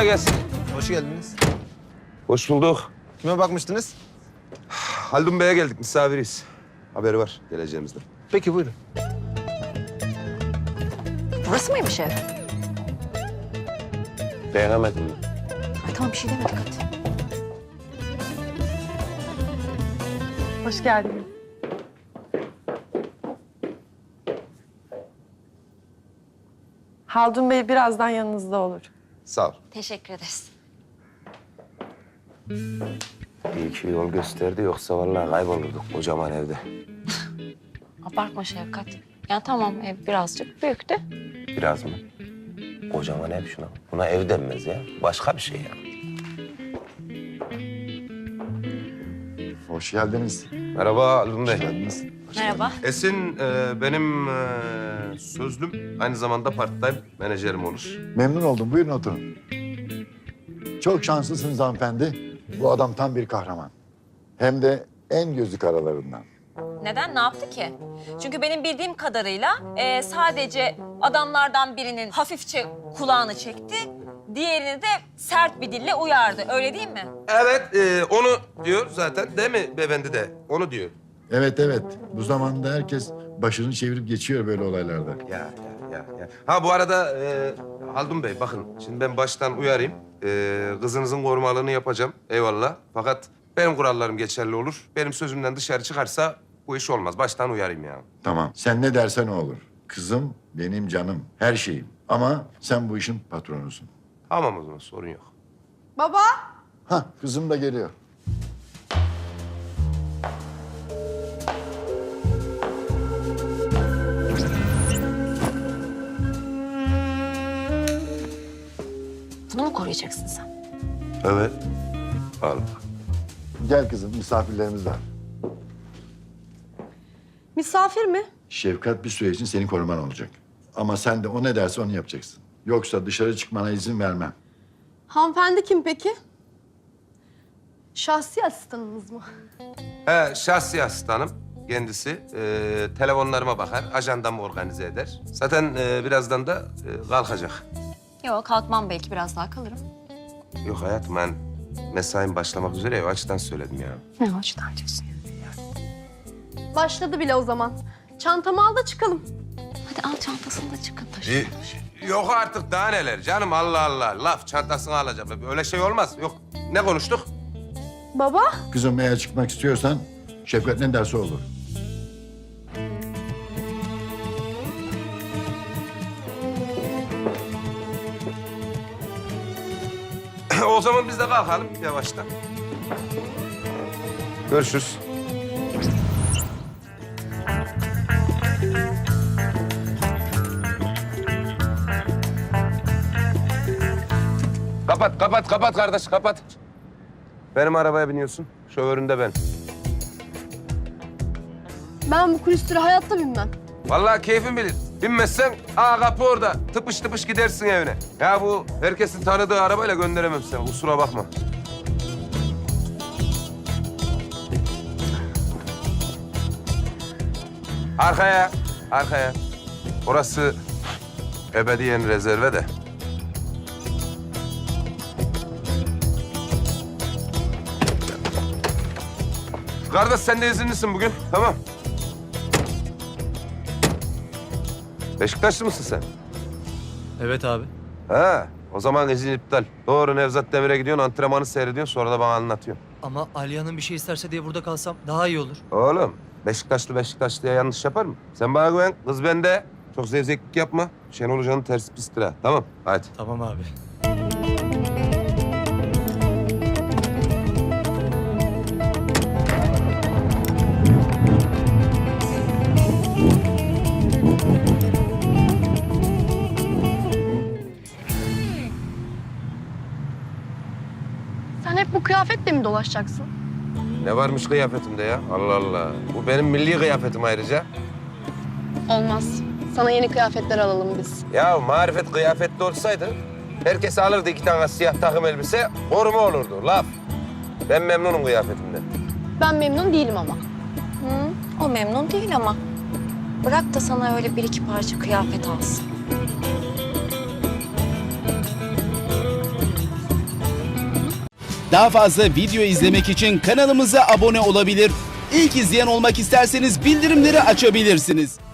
Kolay gelsin. Hoş geldiniz. Hoş bulduk. Kime bakmıştınız? Haldun Bey'e geldik, misafiriyiz. Haberi var geleceğimizden. Peki buyurun. Burası mıymış ev? Beğenemedim mi? Ay tamam bir şey demedik hadi. Hoş geldiniz. Haldun Bey birazdan yanınızda olur. Sağ ol. Teşekkür ederiz. İyi ki yol gösterdi, yoksa vallahi kaybolurduk kocaman evde. Abartma Şevkat. Ya tamam ev birazcık büyük de. Biraz mı? Kocaman ev şuna. Buna ev denmez ya. Başka bir şey ya. Hoş geldiniz. Merhaba Haldun Bey. Hoş geldiniz. Merhaba. Esin benim sözlüm, aynı zamanda part-time menajerim olur. Memnun oldum. Buyurun oturun. Çok şanslısınız hanımefendi. Bu adam tam bir kahraman. Hem de en gözü karalarından. Neden? Ne yaptı ki? Çünkü benim bildiğim kadarıyla sadece adamlardan birinin hafifçe kulağını çekti, diğerini de sert bir dille uyardı. Öyle değil mi? Evet, onu diyor zaten, değil mi beyefendi de? Onu diyor. Evet, evet. Bu zamanda herkes başını çevirip geçiyor böyle olaylarda. Ya. Ha bu arada Haldun Bey bakın, şimdi ben baştan uyarayım. Kızınızın korumalığını yapacağım, eyvallah. Fakat benim kurallarım geçerli olur. Benim sözümden dışarı çıkarsa bu iş olmaz. Baştan uyarayım ya. Tamam. Sen ne dersen o olur. Kızım benim canım, her şeyim. Ama sen bu işin patronusun. Tamam o zaman, sorun yok. Baba! Hah, kızım da geliyor. Bunu mu koruyacaksın sen? Evet. Al. Gel kızım, misafirlerimiz var. Misafir mi? Şefkat bir süre için senin koruman olacak. Ama sen de o ne derse onu yapacaksın. Yoksa dışarı çıkmana izin vermem. Hanımefendi kim peki? Şahsi asistanınız mı? He, şahsi asistanım kendisi. Telefonlarıma bakar, ajandamı organize eder. Zaten birazdan da kalkacak. Yok kalkmam belki biraz daha kalırım. Yok hayatım, ben mesaim başlamak üzere ya, o açıdan söyledim ya. Ne açıdan diyorsun? Başladı bile o zaman. Çantamı al da çıkalım. Hadi al çantasını da çıkın taşı. Yok artık, daha neler canım, Allah Allah. Laf çantasını alacağım. Öyle şey olmaz. Yok, ne konuştuk? Baba? Kızım eğer çıkmak istiyorsan Şefkat ne derse olur. O zaman biz de kalkalım yavaştan. Görüşürüz. Kapat kardeş, kapat. Benim arabaya biniyorsun, şoföründe ben. Ben bu kulüstüre hayatta binmem. Vallahi keyfin bilir. Binmezsen kapı orada. Tıpış tıpış gidersin evine. Ya bu herkesin tanıdığı arabayla gönderemem seni, kusura bakma. Arkaya. Orası ebediyen rezerve de. Kardeş sen de izinlisin bugün, tamam. Beşiktaşlı mısın sen? Evet abi. Ha, o zaman izin iptal. Doğru Nevzat Demir'e gidiyorsun, antrenmanı seyrediyorsun, sonra da bana anlatıyorsun. Ama Aliye'nin bir şey isterse diye burada kalsam daha iyi olur. Oğlum, Beşiktaşlı'ya yanlış yapar mı? Sen bana güven, kız bende. Çok zevzeklik yapma. Şenol Hoca'nın tersi pistir ha. Tamam, hadi. Tamam abi. Sen hep bu kıyafetle mi dolaşacaksın? Ne varmış kıyafetimde ya? Allah Allah. Bu benim milli kıyafetim ayrıca. Olmaz. Sana yeni kıyafetler alalım biz. Ya marifet kıyafetli olsaydı herkes alırdı 2 tane siyah takım elbise, koruma olurdu. Laf. Ben memnunum kıyafetimden. Ben memnun değilim ama. O memnun değil ama. Bırak da sana öyle bir iki parça kıyafet alsın. Daha fazla video izlemek için kanalımıza abone olabilir. İlk izleyen olmak isterseniz bildirimleri açabilirsiniz.